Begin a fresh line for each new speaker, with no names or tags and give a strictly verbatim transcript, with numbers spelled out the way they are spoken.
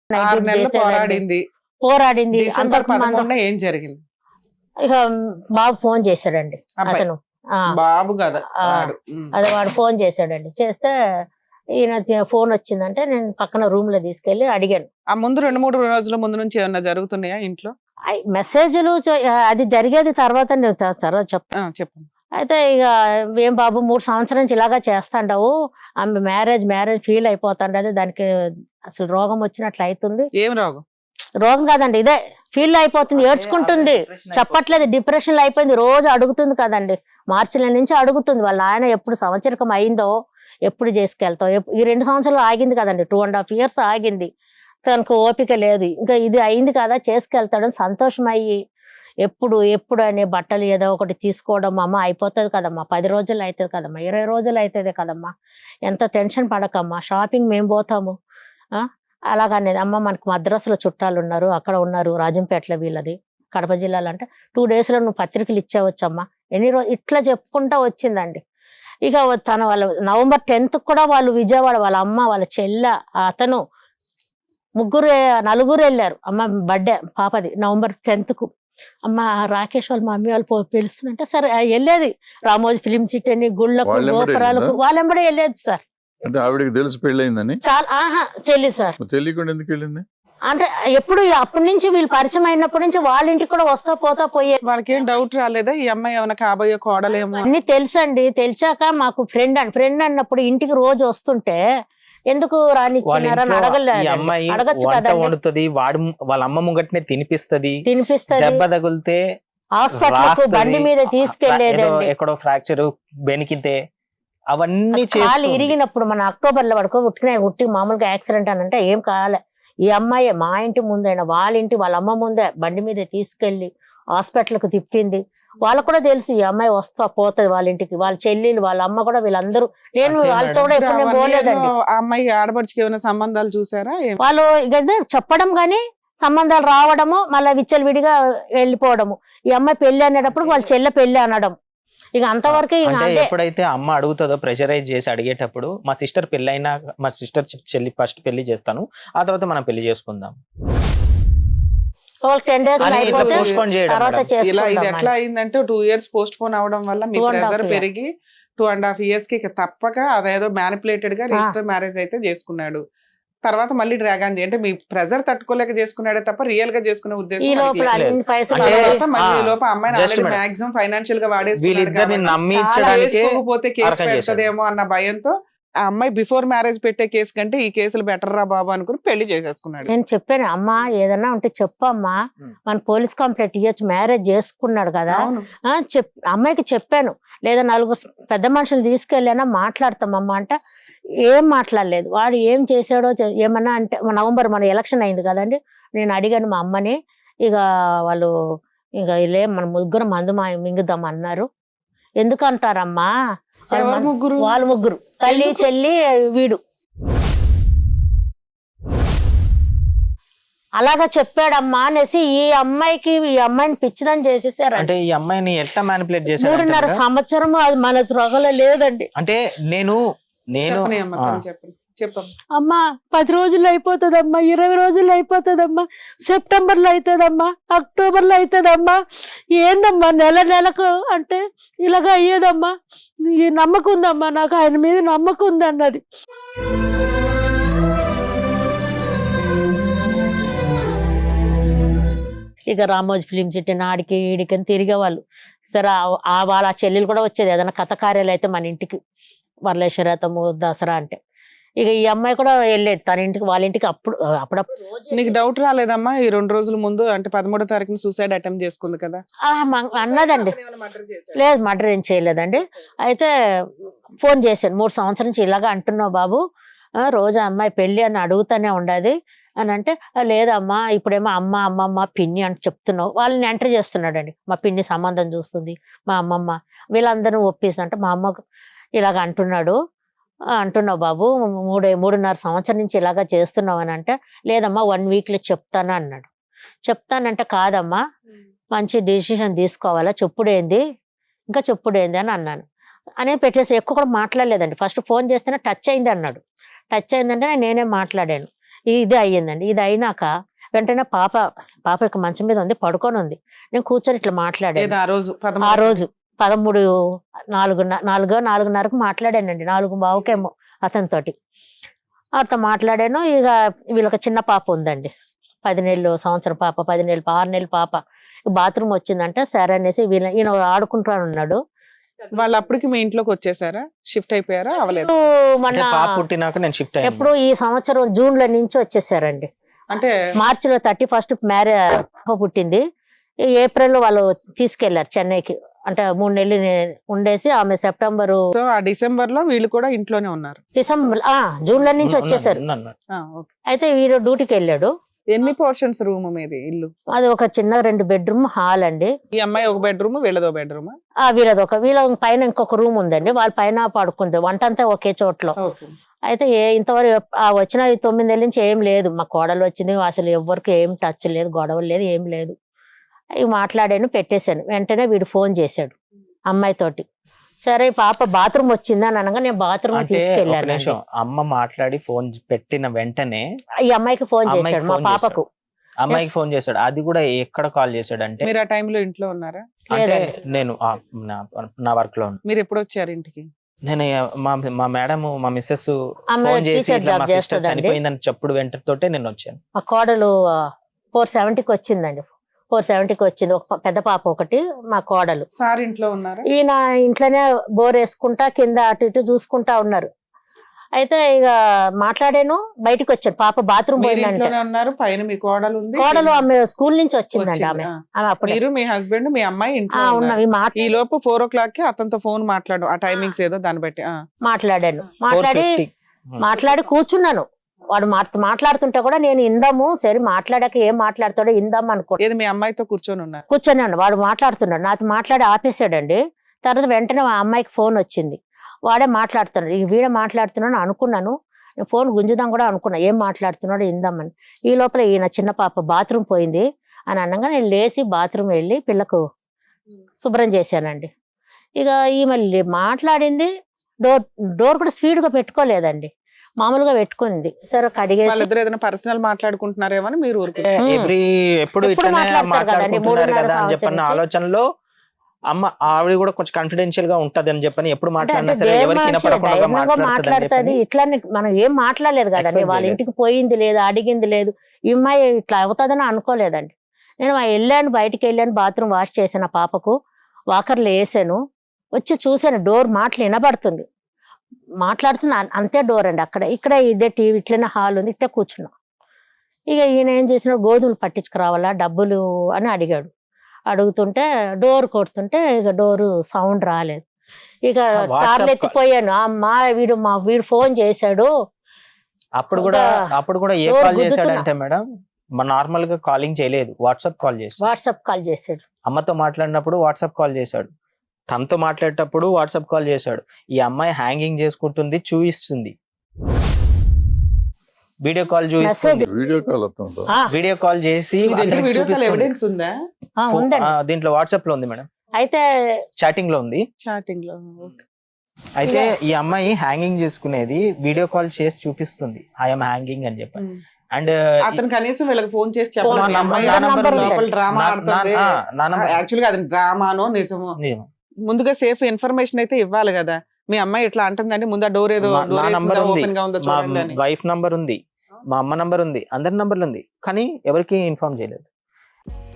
ఆరు నెలలు పోరాడింది
పోరాడింది
డిసెంబర్ పదమూడున ఏం జరిగింది?
ఇక బాబు ఫోన్ చేశాడండి అతను.
బాబు కదా
అదే వాడు ఫోన్ చేశాడండి. చేస్తే ఈయన ఫోన్ వచ్చిందంటే నేను పక్కన రూమ్ లో తీసుకెళ్లి అడిగాను.
ఆ ముందు రెండు మూడు రోజుల ముందు నుంచి ఏమన్నా జరుగుతున్నాయా ఇంట్లో?
మెసేజ్లు అది జరిగేది తర్వాత నేను తర్వాత చెప్తాను చెప్పండి. అయితే ఇక ఏం బాబు మూడు సంవత్సరం నుంచి ఇలాగా చేస్తాండవు, ఆమె మ్యారేజ్ మ్యారేజ్ ఫీల్ అయిపోతాండది, దానికి అసలు రోగం వచ్చినట్లు అవుతుంది.
ఏం రోగం?
రోగం కాదండి, ఇదే ఫీల్ అయిపోతుంది, ఏడ్చుకుంటుంది, చెప్పట్లేదు, డిప్రెషన్ లో అయిపోయింది. రోజు అడుగుతుంది కదండి, మార్చి నెల నుంచి అడుగుతుంది వాళ్ళ ఆయన ఎప్పుడు సంవత్సరకం అయిందో ఎప్పుడు చేసుకెళ్తావు. ఈ రెండు సంవత్సరాలు ఆగింది కదండి, టూ అండ్ హాఫ్ ఇయర్స్ ఆగింది, తనకు ఓపిక లేదు. ఇంకా ఇది అయింది కదా చేసుకెళ్తాడని సంతోషం అయ్యి ఎప్పుడు ఎప్పుడు అనే బట్టలు ఏదో ఒకటి తీసుకోవడం, అమ్మ అయిపోతుంది కదమ్మా, పది రోజులు అవుతుంది కదమ్మా, ఇరవై రోజులు అవుతుంది కదమ్మా, ఎంత టెన్షన్ పడకమ్మా, షాపింగ్ మేము పోతాము అలాగనేది. అమ్మ మనకు మద్రాసులో చుట్టాలు ఉన్నారు, అక్కడ ఉన్నారు, రాజంపేటలో వీళ్ళది, కడప జిల్లాలో, అంటే టూ డేస్లో నువ్వు పత్రికలు ఇచ్చేవచ్చమ్మా, ఎన్ని రోజు ఇట్లా చెప్పుకుంటా వచ్చిందండి. ఇక తన వాళ్ళ నవంబర్ టెన్త్ కూడా వాళ్ళు విజయవాడ వాళ్ళ అమ్మ వాళ్ళ చెల్ల అతను ముగ్గురు నలుగురు వెళ్ళారు. అమ్మ బర్త్డే పాపది నవంబర్ టెన్త్ కు. అమ్మ రాకేష్ వాళ్ళు మా మమ్మీ వాళ్ళు పిలుస్తుందంటే సరే వెళ్ళేది, రామోజీ ఫిలిం సిటీ అని, గుళ్ళకు గోపురాలకు వాళ్ళెంబడే వెళ్ళేది సార్.
అంటే ఆవిడకి తెలిసి పెళ్ళయిందని?
చాలా ఆహా తెలియదు సార్.
తెలియకుండా ఎందుకు వెళ్ళింది?
అంటే ఎప్పుడు అప్పటి నుంచి వీళ్ళు పరిచయం అయినప్పటి నుంచి వాళ్ళ ఇంటికి కూడా వస్తా పోతా పోయే.
వాళ్ళకి ఏం డౌట్ రాలేదా ఈ అమ్మాయి ఏమైనా కాబోయే కోడలేమో?
అన్ని తెలుసండి. తెలిసాక మాకు ఫ్రెండ్ అని ఫ్రెండ్ అన్నప్పుడు ఇంటికి రోజు వస్తుంటే ఎందుకు రానిచ్చినారని అడగలేదు. అడగచ్చు కదా,
వండుతుంది, వాడు వాళ్ళ అమ్మ ముంగట్నే తినిపిస్తుంది,
తినిపిస్తుంది,
దెబ్బ తగిలితే
హాస్పిటల్ బండి మీద తీసుకెళ్లేది,
ఎక్కడో ఫ్రాక్చర్ బెనికితే అవన్నీ
కాలు ఇరిగినప్పుడు మన అక్టోబర్ లో పడుకో ఉట్టిన ఉట్టి మామూలుగా యాక్సిడెంట్ అని అంటే ఏం కాలే. ఈ అమ్మాయి మా ఇంటి ముందైనా వాళ్ళ ఇంటి వాళ్ళ అమ్మ ముందే బండి మీద తీసుకెళ్లి హాస్పిటల్ కు తిప్పింది. వాళ్ళకు కూడా తెలుసు ఈ అమ్మాయి వస్తా పోతుంది వాళ్ళ ఇంటికి, వాళ్ళ చెల్లెలు వాళ్ళ అమ్మ కూడా వీళ్ళందరూ. నేను వాళ్ళతో కూడా ఎప్పుడు పోలేదండి.
అమ్మాయి ఆడపడికి ఏమైనా సంబంధాలు చూసారా?
వాళ్ళు చెప్పడం గానీ సంబంధాలు రావడము, మళ్ళీ విచ్చలు విడిగా వెళ్ళిపోవడము. ఈ అమ్మాయి పెళ్లి అనేటప్పుడు వాళ్ళ చెల్లె పెళ్లి అనడం, ఇక అంతవరకు.
ఎప్పుడైతే అమ్మ అడుగుతుందో ప్రెషరైజ్ చేసి అడిగేటప్పుడు మా సిస్టర్ పెళ్లి అయినా మా సిస్టర్ చెల్లి ఫస్ట్ పెళ్లి చేస్తాను, ఆ తర్వాత మనం పెళ్లి చేసుకుందాం.
ఇది ఎట్లా అయిందంటే టూ ఇయర్స్ పోస్ట్ పోన్ అవడం వల్ల మీ ప్రెజర్ పెరిగి టూ అండ్ హాఫ్ ఇయర్స్ కి తప్పక అదేదో మ్యానిపులేటెడ్ గా రిజిస్టర్ మ్యారేజ్ అయితే చేసుకున్నాడు. తర్వాత మళ్ళీ డ్రాగన్ అంటే మీ ప్రెజర్ తట్టుకోలేక చేసుకున్నాడే తప్ప రియల్ గా చేసుకునే ఉద్దేశం అమ్మాయిని మాక్సిమం ఫైనాన్షియల్ గా వాడేసుకోకపోతే కేసు పెడతదేమో అన్న భయంతో ఆ అమ్మాయి బిఫోర్ మ్యారేజ్ పెట్టే కేసు కంటే ఈ కేసులు బెటర్ రా బాబు అనుకుని పెళ్లి చేసేసుకున్నాడు.
నేను చెప్పాను అమ్మా ఏదన్నా ఉంటే చెప్పమ్మా, మన పోలీస్ కంప్లైంట్ ఇవ్వచ్చు, మ్యారేజ్ చేసుకున్నాడు కదా చెప్ అమ్మాయికి చెప్పాను. లేదా నలుగురు పెద్ద మనుషులు తీసుకెళ్ళానా మాట్లాడతామమ్మా అంటే ఏం మాట్లాడలేదు. వాడు ఏం చేశాడో ఏమన్నా అంటే నవంబర్ మన ఎలక్షన్ అయింది కదండి, నేను అడిగాను మా అమ్మని, ఇక వాళ్ళు ఇక లే మన ముగ్గురు మందు మా మింగుదాం అన్నారు. ఎందుకు అంటారమ్మా?
ముగ్గురు
వాళ్ళ ముగ్గురు తల్లి చెల్లి వీడు అలాగా చెప్పాడమ్మా అనేసి ఈ అమ్మాయికి ఈ అమ్మాయిని పిచ్చిదని చేసేసారు.
అంటే ఈ అమ్మాయిని ఎట్లా మ్యానిపులేట్ చేశారు?
మూడున్నర సంవత్సరం అది మన సృగలో లేదండి.
అంటే నేను నేను
అమ్మా పది రోజుల్లో అయిపోతుందమ్మా, ఇరవై రోజుల్లో అయిపోతుందమ్మా, సెప్టెంబర్ లో అవుతుందమ్మా, అక్టోబర్ లో అవుతుందమ్మా, ఏందమ్మా నెల నెలకు అంటే ఇలాగ అయ్యేదమ్మా, ఈ నమ్మకం ఉందమ్మా, నాకు ఆయన మీద నమ్మకం ఉంది అన్నది. ఇక రామోజీ ఫిలిం సిటీ నాడికి ఈడికి తిరిగేవాళ్ళు. సరే ఆ వాళ్ళ చెల్లెలు కూడా వచ్చేది ఏదైనా కథ కార్యాలు అయితే మన ఇంటికి, వరలేశ్వరతము దసరా అంటే. ఇక ఈ అమ్మాయి కూడా వెళ్ళేది తన ఇంటికి వాళ్ళ ఇంటికి. అప్పుడు అప్పుడప్పుడు.
నీకు డౌట్ రాలేదమ్మా ఈ రెండు రోజుల ముందు అంటే పదమూడో తారీఖున సూసైడ్ అటెంప్ట్ చేసుకుంది కదా
అన్నదండి? లేదు మర్డర్ ఏం చేయలేదండి. అయితే ఫోన్ చేశాను, మూడు సంవత్సరం నుంచి ఇలాగా అంటున్నావు బాబు, రోజు అమ్మాయి పెళ్లి అని అడుగుతానే ఉండదు అని అంటే, లేదమ్మా ఇప్పుడేమో అమ్మ అమ్మమ్మ పిన్ని అని చెప్తున్నావు. వాళ్ళని ఎంటర్ చేస్తున్నాడండి. మా పిన్ని సంబంధం చూస్తుంది, మా అమ్మమ్మ వీళ్ళందరూ ఒప్పిస్తుంటే మా అమ్మ ఇలాగ అంటున్నాడు అంటున్నావు బాబు, మూడే మూడున్నర సంవత్సరం నుంచి ఇలాగా చేస్తున్నావు అని అంటే, లేదమ్మా వన్ వీక్లో చెప్తాను అన్నాడు. చెప్తానంటే కాదమ్మా మంచి డిసిషన్ తీసుకోవాలా, చెప్పుడేంది ఇంకా చెప్పుడేంది అని అన్నాను. అనే పెట్టేసి ఎక్కువ కూడా మాట్లాడలేదండి. ఫస్ట్ ఫోన్ చేస్తేనే టచ్ అయింది అన్నాడు. టచ్ అయిందంటే నేనే మాట్లాడాను. ఇది అయ్యిందండి. ఇది అయినాక వెంటనే పాప పాప యొక్క మంచం మీద ఉంది, పడుకొని ఉంది. నేను కూర్చొని ఇట్లా మాట్లాడాను
ఏదో ఆ రోజు
ఆ
పదమూడు
రోజు పదమూడు నాలుగున్న నాలుగో నాలుగున్నరకు మాట్లాడానండి, నాలుగు బావుకేమో అతనితోటి. అతను మాట్లాడాను. ఇక వీళ్ళకి చిన్న పాప ఉందండి, పది నెలలు సంవత్సరం పాప, పది నెలలు ఆరు నెలలు పాప. బాత్రూమ్ వచ్చిందంటే సరే అనేసి వీళ్ళ ఈయన ఆడుకుంటాను ఉన్నాడు.
వాళ్ళు అప్పటికి మీ ఇంట్లోకి వచ్చేసారా, షిఫ్ట్ అయిపోయారా? అవలేదు.
మన
అంటే పాప పుట్టినాక నేను షిఫ్ట్ అయ్యాను.
ఎప్పుడు ఈ సంవత్సరం జూన్ లో నుంచి వచ్చేసారండి.
అంటే
మార్చిలో థర్టీ ఫస్ట్ మ్యారేజ్ పుట్టింది. ఈ ఏప్రిల్ లో వాళ్ళు తీసుకెళ్లారు చెన్నైకి. అంటే మూడు నెలలు నే- ఉండేసి ఆమె సెప్టెంబర్
సో ఆ డిసెంబర్ లో వీళ్ళు కూడా ఇంట్లోనే ఉన్నారు.
డిసెంబర్ ఆ జూన్ లో నుంచి వచ్చేసారు.
ఉన్నాను, ఉన్నాను.
ఆ, ఓకే.
అయితే వీడు డ్యూటీకి వెళ్ళాడు.
ఎన్ని పోర్షన్స్ రూమ్ మీది ఇల్లు?
అది ఒక చిన్న రెండు బెడ్రూమ్ హాల్ అండి.
ఈ అమ్మాయి ఒక బెడ్రూమ్, వీళ్ళదో బెడ్రూమ్.
ఆ వీళ్ళది ఒక వీళ్ళ పైన ఇంకొక రూమ్ ఉందండి, వాళ్ళ పైన పడుకుంది. వంట అంతా ఒకే చోట్లో.
ఓకే.
అయితే ఏ ఇంతవరకు ఆ వచ్చిన ఈ తొమ్మిది నెలల నుంచి ఏం లేదు. మా కోడలు వచ్చింది, అసలు ఎవరికి ఏం టచ్ లేదు, గొడవలు లేదు, ఏం లేదు. ఇవి మాట్లాడాను, పెట్టేశాను. వెంటనే వీడు ఫోన్ చేశాడు అమ్మాయితోటి. సరే పాప బాత్రూమ్ వచ్చింది అని అనగా నేను బాత్రూమ్
అంటే ఒక
తీసుకెళ్ళాను.
నిమిషం, అమ్మ మాట్లాడి ఫోన్ పెట్టిన వెంటనే
ఈ అమ్మాయికి ఫోన్
అమ్మాయికి
చేశాడు, మా
ఫోన్
పాపకు.
అమ్మాయికి ఫోన్ చేశాడు. అది కూడా ఎక్కడ కాల్ చేశాడు అంటే,
మీరు ఆ టైంలో ఇంట్లో ఉన్నారా?
అంటే
లేదండి.
నేను ఆ నా- నా వర్క్ లో ఉన్నా.
మీరు ఎప్పుడు వచ్చారు ఇంటికి?
నేను మా మా మేడం మా మిస్సెస్
ఆమె
ఫోన్ చేసి
టీచర్
ఇట్లా
జాబ్
మా సిస్టర్
చేస్తుందండి.
చనిపోయిందని చెప్పుడు వెంటతోటే నేను వచ్చాను.
మా కోడలు ఫోర్ సెవెంటీకి వచ్చిందండి. ఫోర్ సెవెంటీకి వచ్చింది. ఒక ప- పెద్ద పాప ఒకటి, మా కోడలు.
సార్ ఇంట్లో ఉన్నారా?
ఈయన ఇంట్లోనే బోర్ వేసుకుంటా కింద అటు ఇటు చూసుకుంటా ఉన్నారు. అయితే ఇక మాట్లాడాను, బయటకు వచ్చాను. పాప బాత్రూమ్
మీరు
పోయిందంటే.
ఇంట్లోనే ఉన్నారు, పైన మీ కోడలు ఉంది.
కోడలు ఆమె స్కూల్ నుంచి వచ్చిందండి.
వచ్చింది.
ఆమె
ఆ.
ఆమె అప్పుడు
మీరు, మీ హస్బెండ్, మీ అమ్మాయి ఇంట్లో ఉన్నారు.
ఉన్నవి మాట్లా
ఈ లోపు ఫోర్ ఓ క్లాక్ కి అతనితో ఫోన్ మాట్లాడు, ఆ టైమింగ్స్ ఏదో దాన్ని బట్టి. ఆ.
మాట్లాడాను.
ఫోర్
మాట్లాడి
ఫిఫ్టీ
మాట్లాడి కూర్చున్నాను. వాడు మాట్- మాట్లాడుతుంటే కూడా నేను ఇందాము, సరే మాట్లాడాక ఏం మాట్లాడతాడో ఇందాము అనుకో
ఏది మీ అమ్మాయితో కూర్చొని ఉన్నారు?
కూర్చొని వాడు మాట్లాడుతున్నాడు. నాతో మాట్లాడి ఆపేసాడండి. తర్వాత వెంటనే ఆ అమ్మాయికి ఫోన్ వచ్చింది. వాడే మాట్లాడుతున్నాడు. ఈ వీడే మాట్లాడుతున్నాడు అనుకున్నాను. నేను ఫోన్ గుంజుదాం కూడా అనుకున్నా, ఏం మాట్లాడుతున్నాడో ఇందామని. ఈ లోపల ఈయన చిన్న పాప బాత్రూమ్ పోయింది అని అనగా నేను లేచి బాత్రూమ్ వెళ్ళి పిల్లకు శుభ్రం చేశానండి. ఇక ఈమె లే- మాట్లాడింది. డోర్ డోర్ కూడా స్పీడ్ గా పెట్టుకోలేదండి, మామూలుగా పెట్టుకుంది. సరే కడిగేసి
వాళ్ళిద్దరు ఏదైనా పర్సనల్ మాట్లాడుకుంటున్నారేమో అని మీరు ఊరుకు.
ఉమ్.
ఎవ్రీ ఎప్పుడు
ఎప్పుడు
ఇట్లనే
మాట్లాడతారు కదండి,
మాట్లాడుకుంటున్నారు
మూడున్నర
కదా అని చెప్పన్న
సంవత్సరం
ఆలోచనలో అమ్మ ఆవిడ కూడా కొంచెం కాన్ఫిడెన్షియల్ గా ఉంటది అని చెప్పని ఎప్పుడు
అంటే
మాట్లాడినా
అంటే
సరే
దేవ
ఎవరికి
మనిషి
వినపడకుండా
ధైర్యంగా
మాట్లాడుతుంది
మాట్లాడుతుంది. ఇట్లానే మనం ఏం మాట్లాడలేదు కదండి,
Expect
వాళ్ళ
చేయలేదు.
ఇంటికి పోయింది లేదు, అడిగింది లేదు. ఈ అమ్మాయి ఇట్లా అవుతుందని అనుకోలేదండి. నేను వెళ్ళాను, బయటికి వెళ్ళాను, బాత్రూమ్ వాష్ చేశాను. ఆ పాపకు వాకర్లు వేసాను, వచ్చి చూసాను డోర్ మాటలు వినబడుతుంది. మాట్లాడుతున్నా అంతే డోర్ అండి. అక్కడ ఇక్కడ ఇదే టీవీ ఇట్లనే హాల్ ఉంది, ఇట్లా కూర్చున్నా. ఇక ఈయన ఏం చేసిన, గోధుమలు పట్టించుకురావాలా డబ్బులు అని అడిగాడు. అడుగుతుంటే డోర్ కొడుతుంటే ఇక డోరు సౌండ్ రాలేదు. ఇక
WhatsApp
కార్లు
call.
ఎత్తిపోయాను. అమ్మా వీడు మా వీడు ఫోన్ చేశాడు.
అప్పుడు కూడా
ఇంకా
అప్పుడు కూడా ఏ
డోర్
కాల్
గుద్దుతున్నా.
చేశాడంటే మేడం, మన నార్మల్ గా కాలింగ్ చేయలేదు, వాట్సాప్ కాల్ చేశాడు.
వాట్సాప్ కాల్ చేశాడు.
అమ్మతో మాట్లాడినప్పుడు వాట్సాప్ కాల్ చేశాడు, తనతో మాట్లాడేటప్పుడు వాట్సాప్ కాల్ చేశాడు. ఈ అమ్మాయి హ్యాంగింగ్ చేసుకుంటుంది, చూపిస్తుంది, వీడియో కాల్ చూపిస్తుంది.
వీడియో కాల్ వస్తుందా?
ఆ,
వీడియో కాల్ చేసి
మీ దగ్గర
అతనికి
వీడియో కాల్
చూపిస్తుంది.
ఎవిడెన్స్ ఉందా?
ఆ,
ఫో-
ఉందండి.
ఆ, దీంట్లో వాట్సాప్ లో ఉంది మేడం,
అయితే
చాటింగ్ లో ఉంది.
చాటింగ్ లో. ఓకే.
అయితే ఈ అమ్మాయి హ్యాంగింగ్ చేసుకునేది వీడియో కాల్ చేసి చూపిస్తుంది, ఐఎమ్ హ్యాంగింగ్ అని చెప్పి.
ఉమ్.
అండ్
అతను కనీసం వీళ్ళకి ఫోన్ చేసి
ఫోన్
చెప్పాలి,
నా
అమ్మాయి
నంబర్
లోపల
ఉందండి.
డ్రామా ఆడుతుంది. యాక్చువల్ గా అది డ్రామానో నిజమో ముందుగా సేఫ్ ఇన్ఫర్మేషన్ అయితే ఇవ్వాలి కదా. మీ అమ్మాయి ఇట్లా అంటుందంటే ముందు డోర్ ఏదో
మా- నా నంబర్ ఉంది,
ఓపెన్ గా ఉందో
మా
చూడండి అని.
వైఫ్ నంబర్ ఉంది, మా అమ్మ నంబర్ ఉంది, అందరి నంబర్లు ఉంది, కానీ ఎవరికి ఇన్ఫార్మ్ చేయలేదు.